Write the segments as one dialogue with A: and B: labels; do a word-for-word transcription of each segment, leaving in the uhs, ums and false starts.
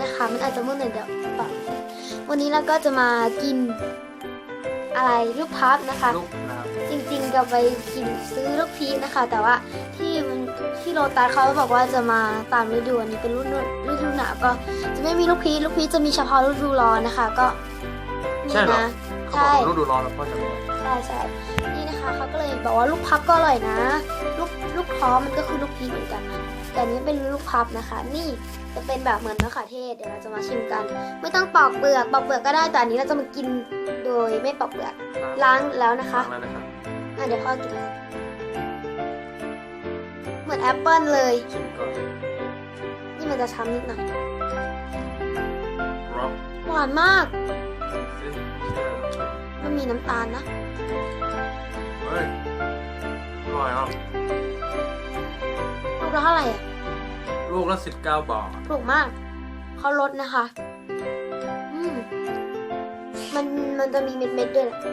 A: นะคะมันอาจจะมืดหน่อยเดี๋ยวปรับวันนี้เราก็จะมากินอะไรลูกพับนะคะ
B: ลูกนะครับ
A: จริงๆกับไปกินซื้อลูกพีชนะคะ แต่ว่าที่มันที่โลตัสเขาบอกว่าจะมาตามฤดูอันนี้เป็นฤดูฤดูหนาวก็จะไม่มีลูกพีชลูกพีชจะมีเฉพาะฤดูร้อนนะคะ ก็นี่
B: ใช่เหรอ
A: นะ
B: เขา
A: ใช่
B: บอกฤดูร้อนแล้วพ่อจะไม่
A: ใช่ใช่นี่นะคะเขาก็เลยบอกว่าลูกพับก็อร่อยนะ ลูกลูกท้อมันก็คือลูกพีชเหมือนกันนะแต่อันนี้เป็นลูกพับนะคะ นี่จะเป็นแบบเหมือนมะเขือเทศเดี๋ยวเราจะมาชิมกัน ไม่ต้องปอกเปลือกปอกเปลือกก็ได้แต่อันนี้เราจะมากินโดยไม่ปอกเปลือกล้างแล้วนะคะ
B: ล้างแล้วนะครับ
A: อ่ะเดี๋ยวพ่อกินเลยเหมือนแอปเปิลเลย
B: ชิมก่อน
A: นี่มันจะช้ำนิดหน่อย
B: ร็อก
A: หวานมาก
B: ซิเชื่อ
A: มันมีน้ำตาลนะ
B: เฮ้ยอร่อยอ่ะ
A: ลูกละเท่าไหร่อ่ะ
B: ลูกละสิบเก้าบาท
A: ถูกมากเขาลดนะคะอืมมันมันจะมีเม็ดๆด้วยแหละ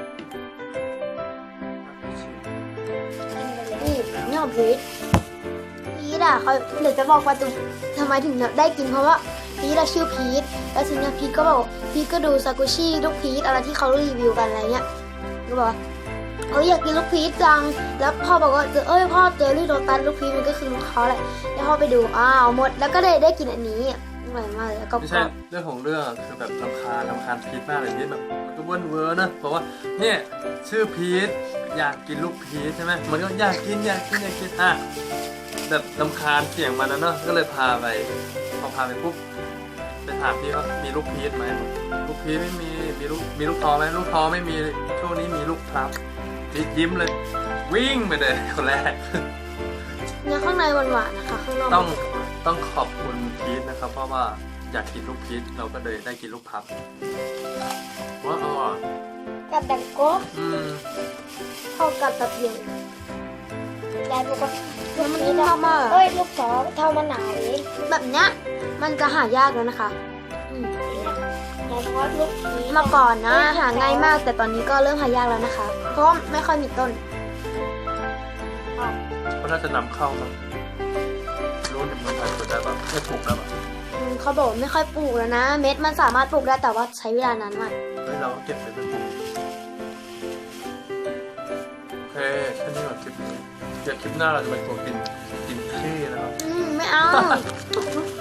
A: นี่นี่ของพีทพีทอ่ะเขาเดี๋ยวจะบอกว่าตุ้ทำไมถึงได้กินเพราะว่าพีทอะชื่อพีทแล้วทีนี้พีทก็บอกพีทก็ดูซากุชิลูกพีทอะไรที่เขารีวิวกันอะไรเงี้ยก็บอกว่าเอ้ยอยากกินลูกพีชจังแล้วพ่อบอกว่าเจอเอ้ยพ่อเจอรี่โรตัสลูกพีชมันก็คือลูกเขาแหละแล้วพ่อไปดูอ้าวหมดแล้วก็ได้ได้กินอันนี้อร่อยมากเลยแล้วก็
B: ไม่ใช่เรื่องของเรื่องคือแบบรำคาญรำคาญพีชมากเลยที่แบบมันก็เวิร์นเวอร์นะเพราะว่าเนี่ยชื่อพีชอยากกินลูกพีชใช่ไหมมันก็อยากกินอยากกินอยากกินอ่ะแบบรำคาญเสียงมันนะเนาะก็เลยพาไปพอพาไปปุ๊บไปถามพี่ว่ามีลูกพีชไหมลูกพีชไม่มีมีลูกมีลูกท้อไหมลูกท้อไม่มีช่วงนี้มีลูกพลับพีชยิ้มเลย วิ่งไปเลยคนแรก
A: เนื้อข้างในหวานๆนะคะข้างนอก
B: ต้องต้องขอบคุณพีชนะครับ เพราะว่าอยากกินลูกพีชเราก็เลยได้กินลูกพับว้าวอร่อย
A: กับดังโก้
B: อืม
A: เข้ากับแบบเดียวย
C: ายบอกว่า
A: แล้วมันนิ่มมาก
C: เอ้ยลูกสองเท่ามะนาวเอง
A: แบบเนี้ยมันจะหายากแล้วนะคะอืม
C: ยายบอกว่าลูกนี้
A: เมื่อก่อนนะหาง่ายมาก แต่ตอนนี้ก็เริ่มหายากแล้วนะคะ เพราะว่าไม่ค่อยมีต้น
B: ก็น่าจะนำเข้ามั้งรู้ในเมืองไทยปลูกได้ปะไม่ถูกแล้วปะ
A: อืมเขาบอกว่าไม่ค่อยปลูกแล้วนะ เม็ดมันสามารถปลูกได้แต่ว่าใช้เวลานานมาก
B: เฮ้ยเราก็เก็บไปเป็นปลูกโอเคแค่นี้ก่อนคลิปนี้เดี๋ยวคลิปหน้าเราจะไปตัวกินกินขี้นะครับ
A: อืมไม่เอา